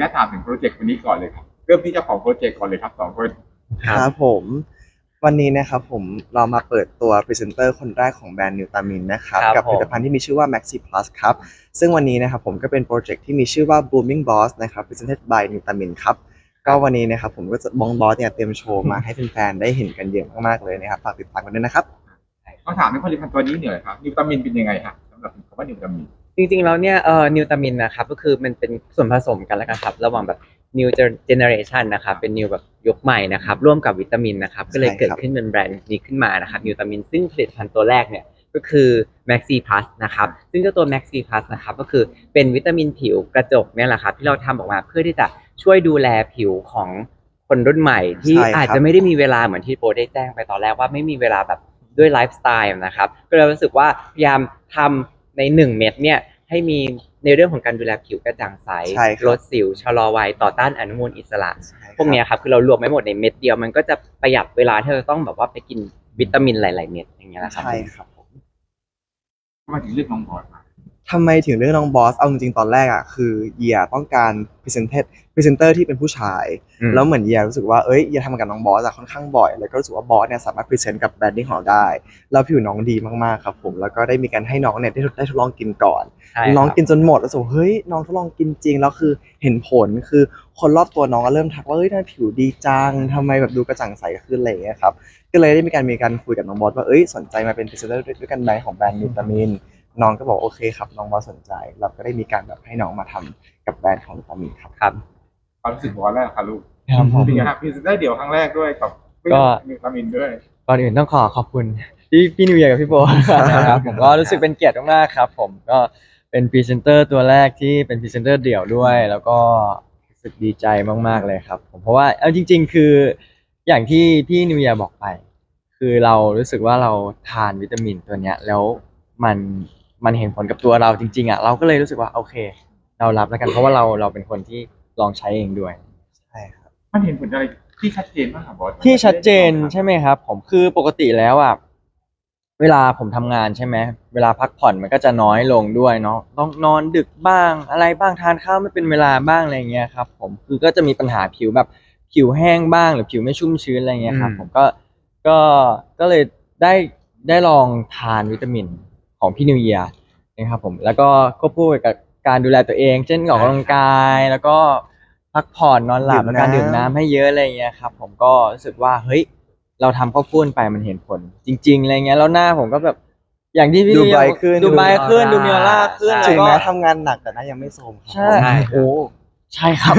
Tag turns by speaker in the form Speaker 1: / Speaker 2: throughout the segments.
Speaker 1: ญาตถามถึงโปรเจกต์วันนี้ก่อนเลยครับเริ่มที่เจ้าของโปรเจกต์ก่อนเลยครับ2 คน
Speaker 2: ครับผมวันนี้นะครับผมเรามาเปิดตัวพรีเซนเตอร์คนแรกของแบรนด์นิวตามินนะครับ
Speaker 3: ครับ
Speaker 2: กับผลิตภัณฑ์
Speaker 3: ผม
Speaker 2: ที่มีชื่อว่า Maxi Plus ครับซึ่งวันนี้นะครับผมก็เป็นโปรเจกต์ที่มีชื่อว่า Booming Boss นะครับ Presented by นิวตามินครับก็วันนี้นะครับผมก็จะบองบอสเนี่ยเตรียมโชว์มาให้แฟนๆได้เห็นกันเยอะมากๆเลยนะครับฝากติดตามกันด้วยนะครับ
Speaker 1: ต้องถามในผลิตภัณฑ์ตัวนี้หน่อยครับนิวตามินเป็นยังไงฮะสำหรับคำว่านิวตามิน
Speaker 3: จริงๆแล้วเนี่ยนิวตามินนะครับก็คือมันเป็นส่วนผสมกันแล้วกันครับระหว่างแบบ new generation นะครับเป็น new แบบยุคใหม่นะครับร่วมกับวิตามินนะครับก็เลยเกิดขึ้นเป็นแบรนด์นี้ขึ้นมานะครับนิวตามินซึ่งผลิตภัณฑ์ตัวแรกเนี่ยก็คือ Maxi Plus นะครับซึ่งเจ้าตัว Maxi Plus นะครับก็คือเป็นวิตามินผิวกระจกเนี่ยแหละครับที่เราทำออกมาเพื่อที่จะช่วยดูแลผิวของคนรุ่นใหม่ที่อาจจะไม่ได้มีเวลาเหมือนที่โปรได้แจ้งไปตอนแรกว่าไม่มีเวลาแบบด้วยไลฟ์สไตล์นะครับก็เลยรู้สึกว่าพยายามทำใน1เม็ดเนี่ย ให้มีในเรื่องของการดูแลผิวกระจ่างใส
Speaker 2: ใช่ค
Speaker 3: ล
Speaker 2: รับ
Speaker 3: ดสิวชะลอวัยต่อต้านอนุมูลอิสระ
Speaker 2: ใช่
Speaker 3: พวกเนี้ยครับคือเรารวมไม่หมดในเม็ดเดียวมันก็จะประหยัดเวลาที่เราต้องแบบว่าไปกินวิตามินหลายๆเม็ดอย่างเงี้ยนะครับ
Speaker 2: ใช่ครับผม
Speaker 1: มาถึงเรื่องน้องบอสมา
Speaker 2: ทำไมถึงเรื่องน้องบอสเอาจริงๆตอนแรกอ่ะคือเยียต้องการพรีเซนเตอร์ที่เป็นผู้ชายแล้วเหมือนเยียรู้สึกว่าเยียทำงานกับน้องบอสอะค่อนข้างบ่อยแล้วก็รู้สึกว่าบอสเนี่ยสามารถพรีเซนต์กับแบรนดิ้งของเราได้แล้วผิวน้องดีมากๆครับผมแล้วก็ได้มีการให้น้องเนี่ยได้ทดลองกินก่อน
Speaker 3: ใช่
Speaker 2: น้อง
Speaker 3: ครับ
Speaker 2: กินจนหมดแล้วรู้สึกว่าเฮ้ยน้องทดลองกินจริงแล้วคือเห็นผลคือคนรอบตัวน้องก็เริ่มทักว่าเฮ้ยทำไมผิวดีจังทำไมแบบดูกระจ่างใสขึ้นอะไรอย่างเงี้ยครับก็เลยได้มีการคุยกับน้องบอสว่าสนใจมาเป็นพรีเซนเตอร์ด้วยกันไหมของแบรนด์นิวตามิน น้องก็บอกโอเคครับน้องบอสสนใจเราก็ได้มีการแบบให้น้องมาทำกับแบรนด์ของวิตามินครับ
Speaker 3: ครับ
Speaker 1: ความรู้สึกบอสแรกครับลูก
Speaker 3: ครับผม
Speaker 1: เป็นไงครับพรีเซนเตอร์เดี่ยวครั้งแรกด้วยกับ
Speaker 3: ก็
Speaker 1: นิวตามินด้วย
Speaker 3: ก่อนอื่นต้องขอบคุณพี่นิวเยียร์กับพี่โบนะครับผมก็รู้สึกเป็นเกียรติมากๆครับผมก็เป็นพรีเซนเตอร์ตัวแรกที่เป็นพรีเซนเตอร์เดี่ยวด้วยแล้วก็รู้สึกดีใจมากๆเลยครับผมเพราะว่าเอาจริงๆคืออย่างที่พี่นิวเยียร์บอกไปคือเรารู้สึกว่าเราทานวิตามินตัวเนี้ยแล้วมันมันเห็นผลกับตัวเราจริงๆอ่ะเราก็เลยรู้สึกว่าโอเคเรารับแล้วกันเพราะว่าเราเป็นคนที่ลองใช้เองด้วย
Speaker 2: ใช่ครับ
Speaker 1: มันเห็นผลอะไรที่ชัดเจนมากครับบอส
Speaker 3: ที่ชัดเจนใช่ไหมครับผมคือปกติแล้วอ่ะเวลาผมทำงานใช่ไหมเวลาพักผ่อนมันก็จะน้อยลงด้วยเนาะต้องนอนดึกบ้างอะไรบ้างทานข้าวไม่เป็นเวลาบ้างอะไรเงี้ยครับผมคือก็จะมีปัญหาผิวแบบผิวแห้งบ้างหรือผิวไม่ชุ่มชื้นอะไรเงี้ยครับผมก็ก็เลยได้ได้ลองทานวิตามินของพี่นิวเยียร์นะครับผมแล้วก็ควบคู่ไปกับการดูแลตัวเองเช่นออกกำลังกายแล้วก็พักผ่อนนอนหลับ
Speaker 2: ดื่มน้
Speaker 3: แล้วการดื่มน้ำให้เยอะอะไรเงี้ยครับผมก็รู้สึกว่าเฮ้ย เราทำข้าวปุ้นไปมันเห็นผลจริงๆอะไรเงี้ยแล้วหน้าผมก็แบบอย่างที่
Speaker 2: ำ
Speaker 3: พี่
Speaker 2: ดูไบรท์ขึ้น
Speaker 3: ดูไบรท์ขึ้นดูมีออร่าขึ้นแล้
Speaker 2: ถึ
Speaker 3: วก็
Speaker 2: งแม้ทำงานหนักแต่หน้ายังไม่โทรมครับ
Speaker 3: ใช่
Speaker 2: ผม
Speaker 3: โอ้ใช่ครับ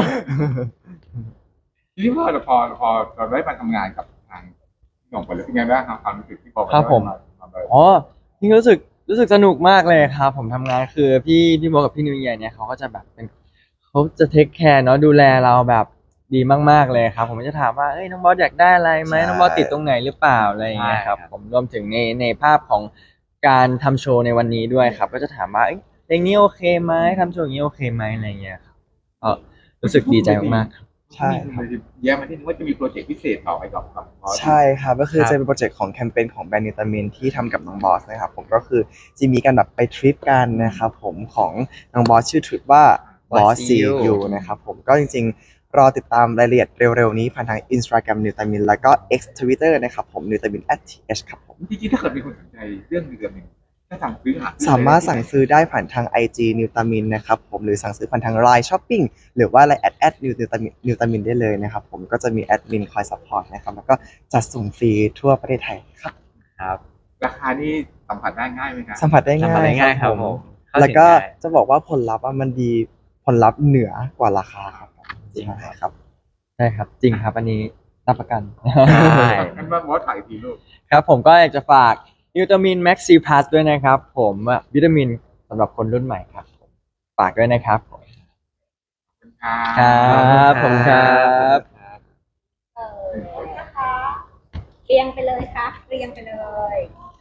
Speaker 1: ทีนี้พอเราได้มาทำงานกับทางหน่องไปเลยเป็นไงบ้างครับความรู้สึกที่พอ
Speaker 3: ครับผม
Speaker 1: มาเลย
Speaker 3: อ๋อจริงรู้สึกสนุกมากเลยครับผมทำงานคือพี่โบกับพี่นิวเยียร์เนี่ยเขาก็จะแบบเป็นเขาจะเทคแคร์เนาะดูแลเราแบบดีมากๆเลยครับผมก็จะถามว่าเอ้ยน้องบอสอยากได้อะไรไหม
Speaker 2: ใช่
Speaker 3: น้องบอสติดตรงไหนหรือเปล่าอะไรอย่างเงี้ยครับผมรวมถึงในภาพของการทำโชว์ในวันนี้ด้วยครับก็จะถามว่าเอ้ยเพลงนี้โอเคไหมทำโชว์อย่างนี้โอเคไหมอะไรอย่างเงี้ยครับก็รู้สึกดีใจมากๆครับ
Speaker 2: ใช่ครับ
Speaker 1: แย้มมาที่นึงว่าจะมีโปรเจกต์พิเศษต่อไปกับบอส
Speaker 2: ใช่ครับก็คือ
Speaker 3: ครับ
Speaker 2: จะเป็นโปรเจกต์ของแคมเปญของแบรนด์นิตามินที่ทำกับน้องบอสนะครับผมก็คือจะมีการแบบไปทริปกันนะครับผมของน้องบอสชื่อทริปว่าบอส
Speaker 3: Boss
Speaker 2: ซี
Speaker 3: See You
Speaker 2: ยูนะครับผมก็จริงๆรอติดตามรายละเอียดเร็วๆนี้ผ่านทาง Instagram นิวตามินแล้วก็ X Twitter นะครับผมนิวตามิน @th ครับผม
Speaker 1: จริงๆถ้าเกิดมีคนสนใจเรื่องนิวตามินถ้าสั่งซื้อ
Speaker 2: สามารถสั่งซื้อได้ผ่านทาง IG นิวตามินนะครับผมหรือสั่งซื้อผ่านทาง Line Shopping หรือว่า Lineแอดนิวตามินได้เลยนะครับผมก็จะมีแอดมินคอยซัพพอร์ตนะครับแล้วก็จัดส่งฟรีทั่วประเทศไทยครับ
Speaker 3: ครับ
Speaker 1: ราคานี่สัมผัสได้ง่ายไหมครับ
Speaker 2: สัมผัสได้
Speaker 3: ทำ
Speaker 2: ง่า
Speaker 3: อะไร
Speaker 2: ยครั
Speaker 3: ง่ายครับผ
Speaker 2: บผม
Speaker 3: มเข้า
Speaker 2: แล้วก็
Speaker 3: ถึงง่าย
Speaker 2: จะบอกว่าผลลัพธ์อะมันดีผลลัพธ์เหนือกว่าราคาครับ
Speaker 3: จริง
Speaker 2: ใช่
Speaker 3: ครับ
Speaker 2: ครับ
Speaker 3: ใช่ครับจริงครับอันนี้รับประกัน
Speaker 1: ใช่งั้นว่าบอสถ่ายทีลูก
Speaker 3: ครับผมก็อยากจะฝากวิตามินแม็กซีพลัสด้วยนะครับผมวิตามินสำหรับคนรุ่นใหม่ครับผมฝากด้วยนะครับผม
Speaker 1: ครั
Speaker 3: ครั
Speaker 1: บ
Speaker 3: บผมครับ
Speaker 4: เออนะคะเรียงไปเลยครับเรียงไปเลย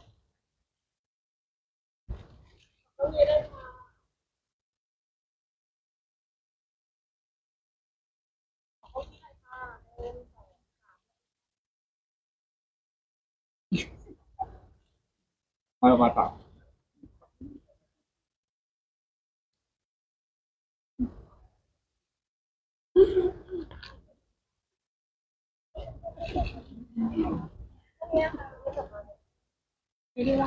Speaker 1: มาต่อ
Speaker 4: ไม่ได้ว่า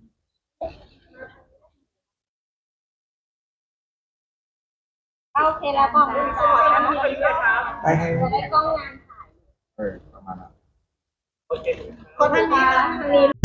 Speaker 4: โอเคแล้วกล้องดูจ้า
Speaker 2: ไปให้
Speaker 4: จะได้กล้องงานถ่าย
Speaker 1: ประมาณนั้น
Speaker 4: คนทางนี้